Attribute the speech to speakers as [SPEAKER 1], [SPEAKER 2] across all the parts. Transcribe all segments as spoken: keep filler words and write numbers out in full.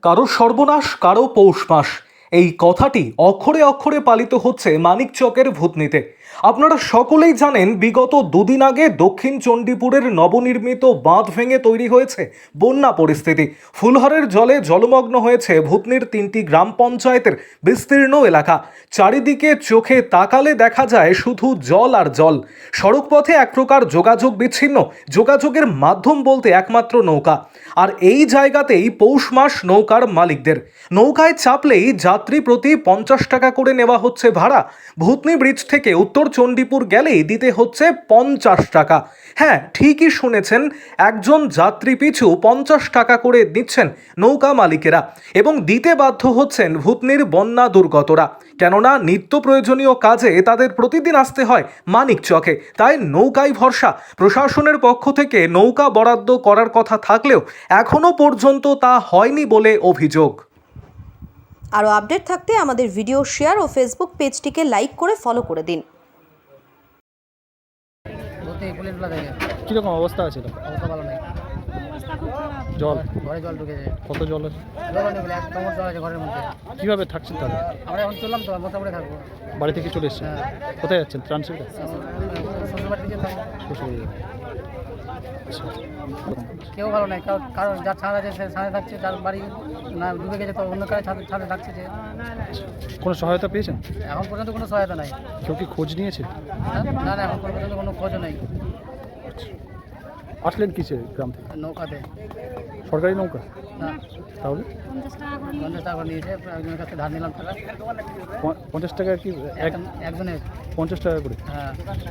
[SPEAKER 1] কারো সর্বনাশ কারো পৌষ মাস এই কথাটি অক্ষরে অক্ষরে পালিত হচ্ছে মানিকচকের ভূতনিতে। আপনারা সকলেই জানেন বিগত দুদিন আগে দক্ষিণ চণ্ডীপুরের নবনির্মিত বাঁধ ভেঙে তৈরি হয়েছে বন্যা পরিস্থিতি। ফুলহরের জলে জলমগ্ন হয়েছে ভূতনির তিনটি গ্রাম পঞ্চায়েতের বিস্তীর্ণ এলাকা। চারিদিকে চোখে তাকালে দেখা যায় শুধু জল আর জল। সড়কপথে এক প্রকার যোগাযোগ বিচ্ছিন্ন, যোগাযোগের মাধ্যম বলতে একমাত্র নৌকা। আর এই জায়গাতেই পৌষ মাস নৌকার মালিকদের। নৌকায় চাপলেই যাত্রী প্রতি পঞ্চাশ টাকা করে নেওয়া হচ্ছে ভাড়া। ভূতনি ব্রিজ থেকে উত্তর চণ্ডীপুর গেলেই দিতে হচ্ছে পঞ্চাশ টাকা। হ্যাঁ, ঠিকই শুনেছেন, একজন যাত্রী পিছু পঞ্চাশ টাকা করে দিচ্ছেন নৌকা মালিকেরা, এবং দিতে বাধ্য হচ্ছেন ভূতনির বন্যা দুর্গতরা। কেননা নিত্য প্রয়োজনীয় কাজে তাদের প্রতিদিন আসতে হয় মানিকচকে, তাই নৌকাই ভরসা। প্রশাসনের পক্ষ থেকে নৌকা বরাদ্দ করার কথা থাকলেও এখনো পর্যন্ত তা হয়নি বলে অভিযোগ।
[SPEAKER 2] আরও আপডেট থাকতে আমাদের ভিডিও শেয়ার ও ফেসবুক পেজটিকে লাইক করে ফলো করে দিন।
[SPEAKER 3] কিরকম অবস্থা আছে?
[SPEAKER 4] অবস্থা ভালো নেই,
[SPEAKER 3] জল
[SPEAKER 4] ঘরে জল ঢুকেছে।
[SPEAKER 3] কত জল আছে?
[SPEAKER 4] জল অনেক, এক কোমর জল আছে ঘরের মধ্যে।
[SPEAKER 3] কিভাবে থাকছেন তাহলে?
[SPEAKER 4] আমরা এখন চললাম তো, মোটামুটি থাকবো।
[SPEAKER 3] বাড়ি থেকে চলে এসছেন?
[SPEAKER 4] হ্যাঁ।
[SPEAKER 3] কোথায় যাচ্ছেন? ট্রান্সফার
[SPEAKER 4] শ্বশুর বাড়িতে যেতাম।
[SPEAKER 3] শ্বশুরবাড়ি। আচ্ছা,
[SPEAKER 4] কেউ ভালো নাই, কারণ কারণ যার ছাদ আছে সে ছাদে থাকছে, যার বাড়ি না ডুবে গেছে তো অন্য কারো ছাদে ছাদে থাকছে। যে
[SPEAKER 3] কোনো সহায়তা পেয়েছেন?
[SPEAKER 4] এখন পর্যন্ত কোনো সহায়তা নাই।
[SPEAKER 3] কেউ কি খোঁজ নিয়েছে?
[SPEAKER 4] না না, এখন পর্যন্ত কোনো খোঁজও নেই।
[SPEAKER 3] আসলেন কিসে গ্রাম থেকে?
[SPEAKER 4] নৌকাতে।
[SPEAKER 3] সরকারি নৌকা?
[SPEAKER 4] না,
[SPEAKER 3] তাহলে
[SPEAKER 4] পঞ্চাশ টাকা করে নিয়েছে, একজনের কাছে ধার নিলাম টাকা।
[SPEAKER 3] প- পঞ্চাশ টাকা কি এক
[SPEAKER 4] এক- একজনের।
[SPEAKER 3] পঞ্চাশ টাকা করে?
[SPEAKER 4] হ্যাঁ,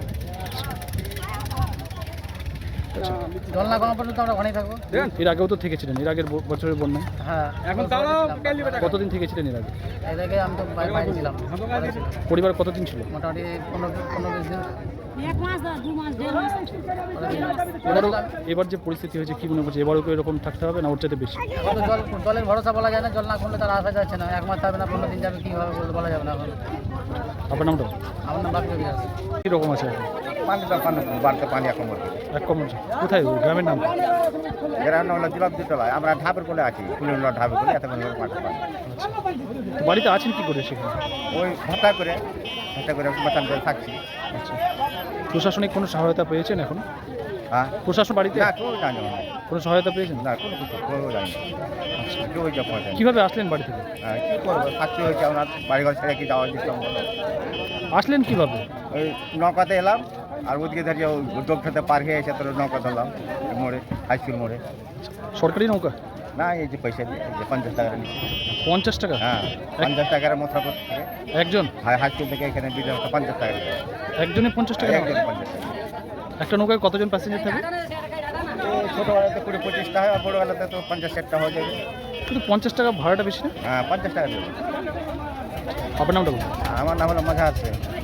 [SPEAKER 4] জল না কমা পর্যন্ত আমরা ওখানেই থাকবো।
[SPEAKER 3] এর আগেও তো থেকেছিলেন, এর আগের ব- বছরের বন্যায়
[SPEAKER 4] হ্যাঁ, এখন
[SPEAKER 3] কতদিন থেকেছিলেন এর আগে?
[SPEAKER 4] এর আগে আমি তো বাইরে বাইরে ছিলাম।
[SPEAKER 3] পরিবার কতদিন ছিল?
[SPEAKER 4] মোটামুটি পনেরো পনেরো বিশ দিন।
[SPEAKER 5] এক মাস দু মাস দেড় মাস
[SPEAKER 3] এবারও এবার যে পরিস্থিতি হয়েছে কি মনে করছে? এবারও কি এরকম থাকতে হবে না ওর চাইতে বেশি?
[SPEAKER 4] এখন তো জল জলের ভরসা বলা যায় না, জল না করলে তার আসা যাচ্ছে না। এক মাস থাকবে না, পনেরো দিন যাবে, কীভাবে বলতে বলা যাবে না। এখন
[SPEAKER 3] আপনার নামটা
[SPEAKER 4] আমার নাম বাকি বিরাজ।
[SPEAKER 3] কীরকম আছে এখন?
[SPEAKER 6] পানিটা পানি বাড়তে পানি এখন বলতে
[SPEAKER 3] এক কম আছে। কোথায় ওই গ্রামের নাম?
[SPEAKER 6] গ্রাম হলো জুলাবদিতলায়, আমরা ঢাবের কোলে আছি, কুলিউল্লা ঢাবের কোলে, এত মাটি পানি।
[SPEAKER 3] আচ্ছা, তো বাড়িতে আছেন কি করে সেখানে?
[SPEAKER 6] ওই ভাতা করে ভাতা করে বাঁচান করে থাকছি।
[SPEAKER 3] আচ্ছা, প্রশাসনিক কোনো সহায়তা পেয়েছেন এখন?
[SPEAKER 6] হ্যাঁ,
[SPEAKER 3] প্রশাসন বাড়িতে
[SPEAKER 6] না কেউ জানি না,
[SPEAKER 3] কোনো সহায়তা পেয়েছেন?
[SPEAKER 6] না কোনো কিছু কেউ জানি না।
[SPEAKER 3] আচ্ছা,
[SPEAKER 6] কেউ যা পৌঁছায় না।
[SPEAKER 3] কীভাবে আসলেন বাড়ি থেকে?
[SPEAKER 6] হ্যাঁ, কী করবো, থাকতে হয়েছে, ওনার বাড়িঘর ছেড়ে কি যাওয়া দিতাম বলো।
[SPEAKER 3] আসলেন কিভাবে?
[SPEAKER 6] ওই নৌকাতে এলাম, আর ওদিকে ধরে ওই উদ্যোগটাতে পার হয়ে এসে তোর নৌকা ধরলাম এই মোড়ে, হাই স্কুল মোড়ে।
[SPEAKER 3] সরকারি নৌকা?
[SPEAKER 6] না, এই যে পয়সা দিয়ে এই যে পঞ্চাশ টাকা নিচ্ছি।
[SPEAKER 3] পঞ্চাশ টাকা?
[SPEAKER 6] হ্যাঁ, পঞ্চাশ টাকার মশলাপত থেকে
[SPEAKER 3] একজন?
[SPEAKER 6] হাই হাই স্কুল থেকে এখানে বিজয় পঞ্চাশ টাকা নিচ্ছে।
[SPEAKER 3] একজনে পঞ্চাশ টাকা?
[SPEAKER 6] একজন পঞ্চাশ টাকা।
[SPEAKER 3] একটা নৌকায় কতজন প্যাসেঞ্জার থাকে?
[SPEAKER 6] ছোটোবেলাতে কুড়ি পঁচিশটা হয়, আর বড়োবেলাতে তো পঞ্চাশ ষাটটা হয়ে যাবে।
[SPEAKER 3] কিন্তু পঞ্চাশ টাকা ভাড়াটা বেশি না?
[SPEAKER 6] হ্যাঁ, পঞ্চাশ টাকা দেবে।
[SPEAKER 3] আপনার নামটা বলুন।
[SPEAKER 6] আমার নাম হলো মজা আছে।